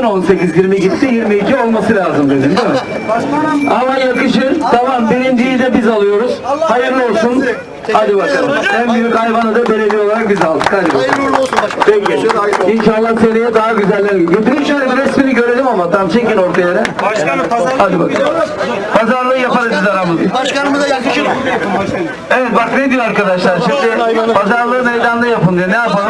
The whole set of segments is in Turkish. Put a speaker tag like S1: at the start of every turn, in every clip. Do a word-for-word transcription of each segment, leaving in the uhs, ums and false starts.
S1: on sekiz yirmi gitti, yirmi iki olması lazım dedim değil mi? Ama yakışır. Tamam, birinciyi de biz alıyoruz. Hayırlı olsun. Hadi bakalım. En büyük hayvanı da belediye olarak biz aldık. Hadi bakalım.
S2: Hayırlı olsun başkanım.
S1: Peki. İnşallah seneye daha güzeller. Getirin şöyle bir resmini görelim ama tam çekin ortaya yere.
S3: Başkanım pazar.
S1: Hadi bakalım. Pazarlığı yaparız biz aramızda.
S2: Başkanımıza yakışır.
S1: Evet bak ne diyor arkadaşlar. Şimdi pazarlığı meydanda yapın diyor. Ne yapalım?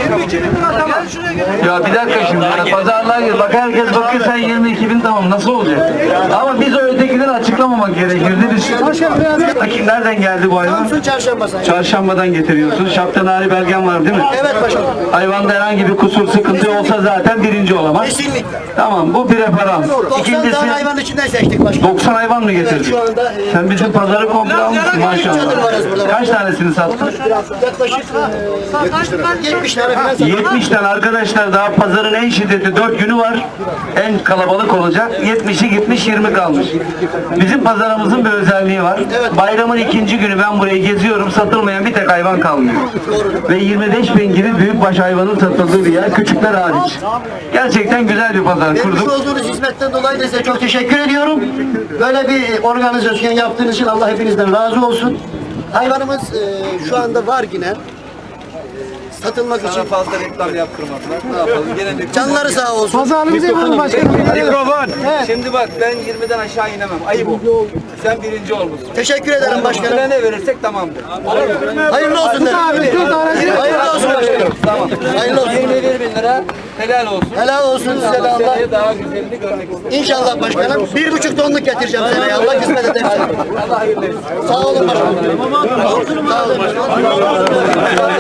S1: Ya bir dakika şimdi. Yani pazarlığa gir. Bak herkes bakıyor sen yirmi iki bin tamam. Nasıl olacak? Ama biz o ötekileri açıklamamak gerekirdi. Biz... Bakın nereden geldi bu hayvan?
S2: Samsun Çarşamba sayın.
S1: Çarşambadan getiriyorsun. Şaptanari belgen var değil mi?
S2: Evet başkanım.
S1: Hayvanda herhangi bir kusur, sıkıntı olsa zaten birinci olamaz.
S2: Kesinlikle.
S1: Tamam bu preparan.
S2: doksan
S1: İkincisi
S2: tane hayvan içinden seçtik başkanım.
S1: doksan hayvan mı getirdin?
S2: Evet, şu anda, e,
S1: Sen bizim pazarı komple almışsın
S2: çadır
S1: maşallah.
S2: varız burada.
S1: Kaç tanesini sattın?
S2: Yaklaşık e, yetmiş tane falan sattık.
S1: yetmiş tane arkadaşlar, daha pazarın en şiddetli dört günü var. En kalabalık olacak. yetmişi gitmiş, yirmi kalmış. Bizim pazarımızın bir özelliği var. Bayramın ikinci günü ben burayı geziyorum. Satılmayan bir tek hayvan kalmıyor. Ve yirmi beş bin gibi büyükbaş hayvanın satıldığı bir yer. Küçükler hariç. Gerçekten güzel bir pazar
S2: Vermiş
S1: kurduk.
S2: olduğunuz hizmetten dolayı da size çok teşekkür ediyorum. Böyle bir organizasyon yaptığınız için Allah hepinizden razı olsun. Hayvanımız e, şu anda var yine. Satılmak için.
S3: Fazla reklam yaptırmadılar. Ne yapalım? Gene bir
S2: Canları sağ olsun.
S4: Pazarlığımızı yapalım başkanım.
S3: mikrofon. Şimdi bak ben yirmiden aşağı inemem. Ayıp o. Sen birinci olmuşsun.
S2: Teşekkür ederim başkanım.
S3: Sana ne verirsek tamamdır.
S2: Hayırlı olsun derim. Hayırlı olsun başkanım.
S3: Tamam.
S2: Hayırlı olsun.
S3: yirmi bir bin lira helal olsun.
S2: Helal olsun size de Allah.
S3: Seneye daha güzelini görmek istedim.
S2: İnşallah başkanım. Bir buçuk tonluk getireceğim seneye. Allah kısmet ederse.
S3: Allah hayırlı etsin.
S2: Sağ olun başkanım. Sağ olun başkanım.